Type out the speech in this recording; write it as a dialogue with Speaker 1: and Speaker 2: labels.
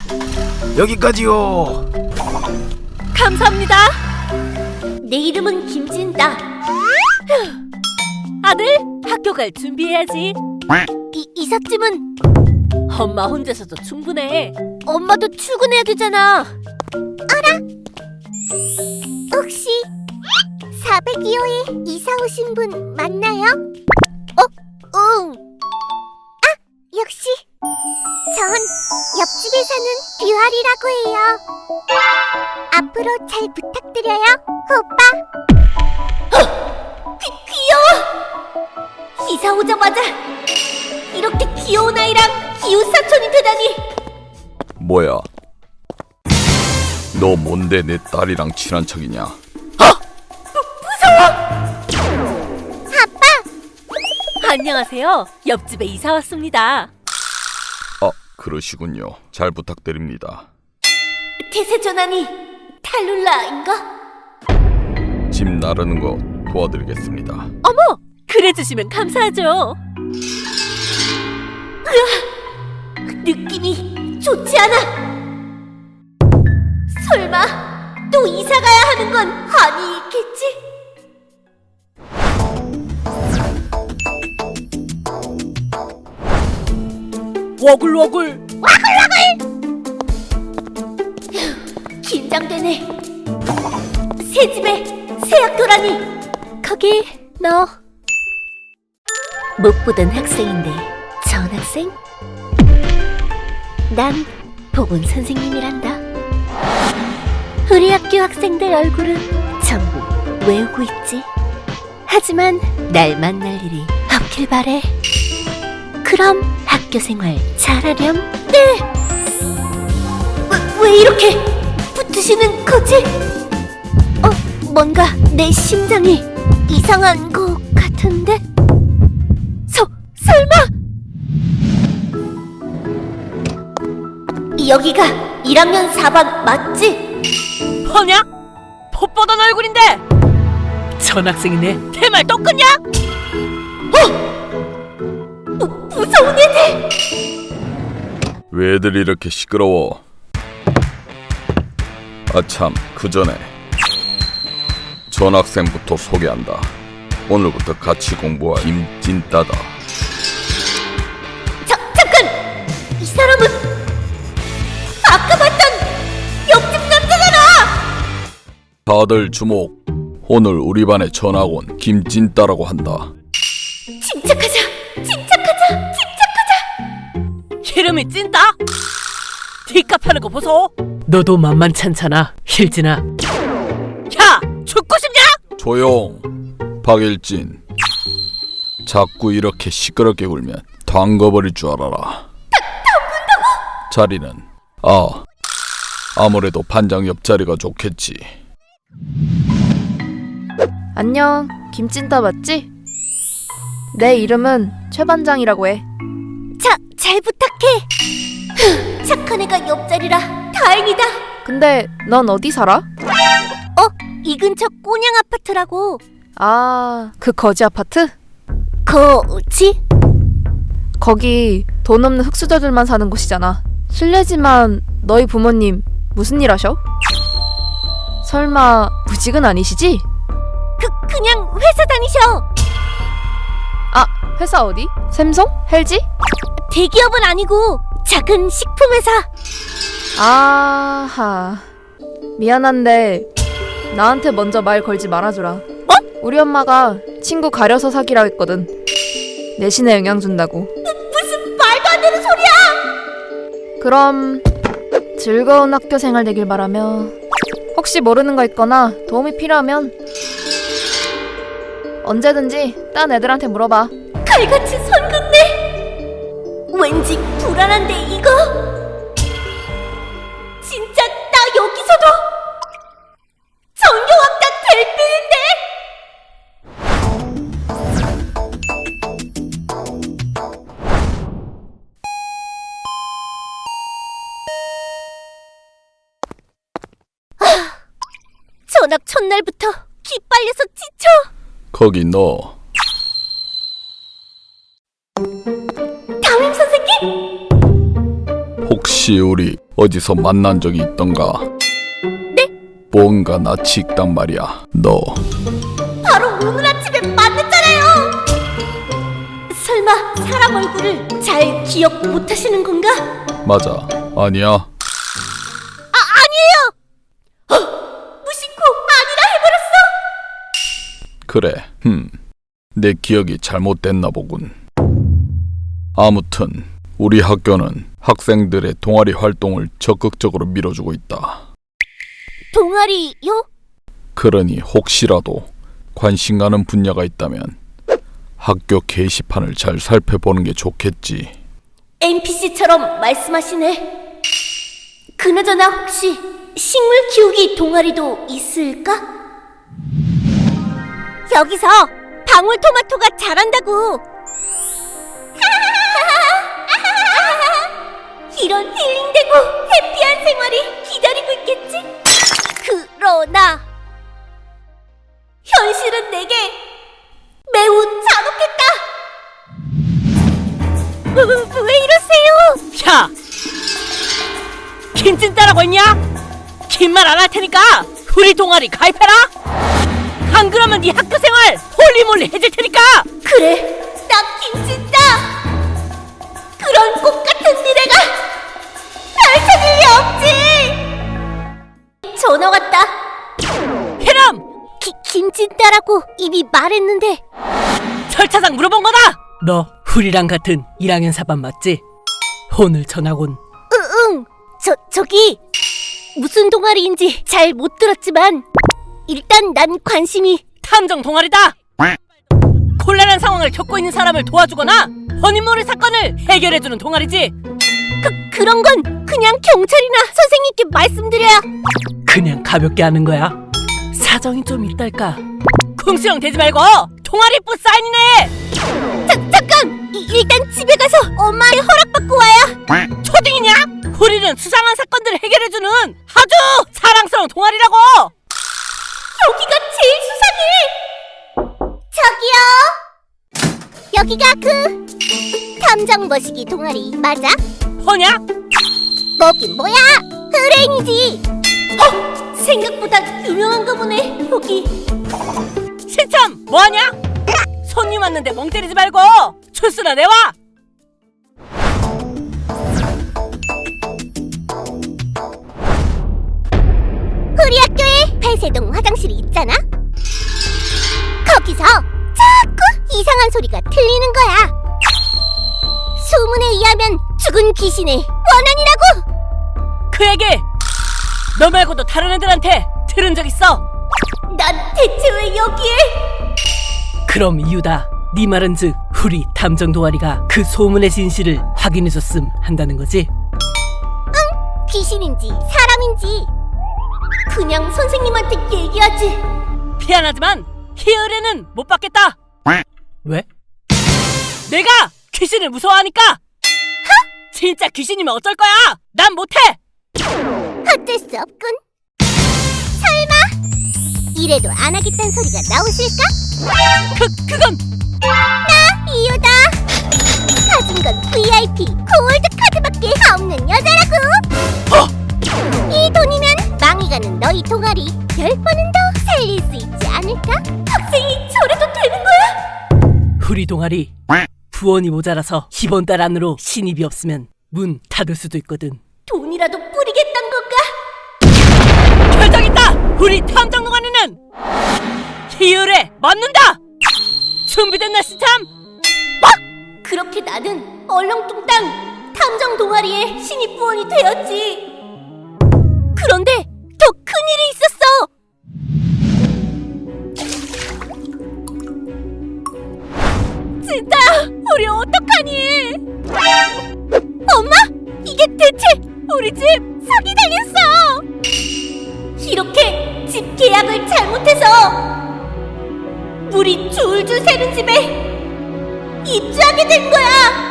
Speaker 1: 여기까지요.
Speaker 2: 감사합니다. 내 이름은 김진다. 아들, 학교 갈 준비해야지. 이삿짐은? 엄마 혼자서도 충분해. 엄마도 출근해야 되잖아. 알아. 혹시 402호에 이사 오신 분 맞나요? 응. 아, 역시. 전 옆집에 사는 뷰아리라고 해요. 앞으로 잘 부탁드려요, 오빠. 귀여워! 이사 오자마자 이렇게 귀여운 아이랑 이웃사촌이 되다니.
Speaker 1: 뭐야? 너 뭔데 내 딸이랑 친한 척이냐?
Speaker 2: 아빠! 안녕하세요. 옆집에 이사 왔습니다.
Speaker 1: 아, 그러시군요. 잘 부탁드립니다.
Speaker 2: 태세전환이 탈룰라인가?
Speaker 1: 집 나르는 거 도와드리겠습니다.
Speaker 2: 어머! 그래주시면 감사하죠. 으아! 느낌이 좋지 않아. 설마 또 이사가야 하는 건 아니겠지? 워글워글. 긴장되네. 새 집에 새 학교라니. 거기 너 못 보던 학생인데 전학생? 난 보건 선생님이란다. 우리 학교 학생들 얼굴은 전부 외우고 있지. 하지만 날 만날 일이 없길 바래. 그럼 학교 생활 잘하렴. 네. 왜 이렇게 붙으시는 거지? 뭔가 내 심장이 이상한 것 같은데? 설마? 여기가 1학년 4반 맞지?
Speaker 3: 뭐냐? 폿보던 얼굴인데 전학생이네. 대말 똑같냐?
Speaker 2: 무서운 애들!
Speaker 1: 왜 애들 이렇게 시끄러워? 아참, 그 전에 전학생부터 소개한다. 오늘부터 같이 공부할 김진따다.
Speaker 2: 잠깐! 이 사람은 아까 봤던 옆집 남자잖아!
Speaker 1: 다들 주목. 오늘 우리 반에 전학 온 김진따라고 한다.
Speaker 2: 침착하자!
Speaker 3: 이름이 찐따? 뒷값 하는 거 보소. 너도 만만찮잖아, 힐진아. 야, 죽고 싶냐?
Speaker 1: 조용. 박일진. 자꾸 이렇게 시끄럽게 울면 담궈버릴 줄 알아라. 담근다고? 자리는 아무래도 반장 옆자리가 좋겠지.
Speaker 4: 안녕, 김찐따 맞지? 내 이름은 최 반장이라고 해.
Speaker 2: 잘 부탁해. 착한 애가 옆자리라 다행이다.
Speaker 4: 근데 넌 어디 살아?
Speaker 2: 이 근처 꼬냥 아파트라고.
Speaker 4: 아, 그 거지 아파트?
Speaker 2: 거지?
Speaker 4: 거기 돈 없는 흙수저들만 사는 곳이잖아. 실례지만 너희 부모님 무슨 일 하셔? 설마 무직은 아니시지?
Speaker 2: 그냥 회사 다니셔.
Speaker 4: 아, 회사 어디? 샘송? 헬지?
Speaker 2: 대기업은 아니고 작은 식품회사.
Speaker 4: 아하, 미안한데 나한테 먼저 말 걸지 말아주라. 우리 엄마가 친구 가려서 사귀라 했거든. 내신에 영향 준다고.
Speaker 2: 무슨 말도 안 되는 소리야.
Speaker 4: 그럼 즐거운 학교 생활 되길 바라며, 혹시 모르는 거 있거나 도움이 필요하면 언제든지 딴 애들한테 물어봐.
Speaker 2: 칼같이 손 긋네. 왠지 불안한데 이거 진짜 나 여기서도 전교학단 될 뻔인데. 전학 첫날부터 기빨려서 지쳐.
Speaker 1: 거기 너.
Speaker 2: 담임 선생님?
Speaker 1: 혹시 우리 어디서 만난 적이 있던가?
Speaker 2: 네?
Speaker 1: 뭔가 낯이 익단 말이야. 너
Speaker 2: 바로 오늘 아침에 만났잖아요. 설마 사람 얼굴을 잘 기억 못하시는 건가?
Speaker 1: 맞아. 아니야.
Speaker 2: 아니에요. 무심코 아니라 해버렸어.
Speaker 1: 그래. 내 기억이 잘못됐나 보군. 아무튼 우리 학교는 학생들의 동아리 활동을 적극적으로 밀어주고 있다.
Speaker 2: 동아리요?
Speaker 1: 그러니 혹시라도 관심 가는 분야가 있다면 학교 게시판을 잘 살펴보는 게 좋겠지.
Speaker 2: NPC처럼 말씀하시네. 그나저나 혹시 식물 키우기 동아리도 있을까? 여기서 방울토마토가 자란다고. 이런 힐링되고 해피한 생활이 기다리고 있겠지? 그러나 현실은 내게 매우 잔혹했다. 왜 이러세요?
Speaker 3: 야! 김찐따라고 했냐? 긴 말 안 할 테니까 우리 동아리 가입해라! 안 그러면 네 학교 생활 홀리몰리 해줄 테니까!
Speaker 2: 그래, 나 김진다. 그런 꽃 같은 미래가 펼쳐질 리 없지. 전화 왔다.
Speaker 3: 해람!
Speaker 2: 김진다라고 이미 말했는데.
Speaker 3: 절차상 물어본 거다! 너 우리랑 같은 1학년 4반 맞지? 오늘 전학 온
Speaker 2: 응. 저기 무슨 동아리인지 잘 못 들었지만 일단 난 관심이.
Speaker 3: 탐정 동아리다! 곤란한 상황을 겪고 있는 사람을 도와주거나 본인 모를 사건을 해결해주는 동아리지.
Speaker 2: 그런 건 그냥 경찰이나 선생님께 말씀드려야.
Speaker 3: 그냥 가볍게 하는 거야. 사정이 좀 있달까. 궁시렁 대지 말고 동아리부 사인이네.
Speaker 2: 잠깐! 일단 집에 가서 엄마의 허락받고 와야.
Speaker 3: 초딩이냐? 우리는 수상한 사건들을 해결해주는 아주 사랑스러운 동아리라고.
Speaker 2: 여기가 제일 수상해. 저기요. 여기가 그 탐정 머시기 동아리 맞아?
Speaker 3: 뭐냐?
Speaker 2: 뭐긴 뭐야? 의뢰인이지. 생각보다 유명한가 보네. 여기
Speaker 3: 신참 뭐하냐? 손님 왔는데 멍 때리지 말고 출수나 내와.
Speaker 2: 우리 학교에 폐쇄동 화장실이 있잖아. 거기서 자꾸 이상한 소리가 들리는 거야. 소문에 의하면 죽은 귀신의 원한이라고.
Speaker 3: 그 얘기 너 말고도 다른 애들한테 들은 적 있어?
Speaker 2: 난 대체 왜 여기에?
Speaker 3: 그럼 이유다. 네 말은 즉 우리 탐정 동아리가 그 소문의 진실을 확인해줬음 한다는 거지?
Speaker 2: 귀신인지 사람인지 그냥 선생님한테 얘기하지.
Speaker 3: 미안하지만 이 의뢰는 못 받겠다. 왜? 내가 귀신을 무서워하니까. 진짜 귀신이면 어쩔 거야. 난 못해.
Speaker 2: 어쩔 수 없군. 설마 이래도 안 하겠다는 소리가 나오실까?
Speaker 3: 그건
Speaker 2: 나 이유다. 가진 건 VIP 골드 카드밖에 없는 여자라고. 이 돈이면 망해가는 너희 동아리 10번은 더 살릴 수 있지 않을까? 학생이 저래도 되는 거야?
Speaker 3: 우리 동아리 부원이 모자라서 이번 달 안으로 신입이 없으면 문 닫을 수도 있거든.
Speaker 2: 돈이라도 뿌리겠단 건가?
Speaker 3: 결정했다! 우리 탐정 동아리는 이 의뢰 맞는다! 준비됐나 시참?
Speaker 2: 그렇게 나는 얼렁뚱땅 탐정 동아리의 신입 부원이 되었지. 그런데 더 큰일이 있었어. 진짜 우리 어떡하니? 엄마? 이게 대체 우리 집 사기당했어. 이렇게 집 계약을 잘못해서 물이 줄줄 새는 집에 입주하게 된 거야.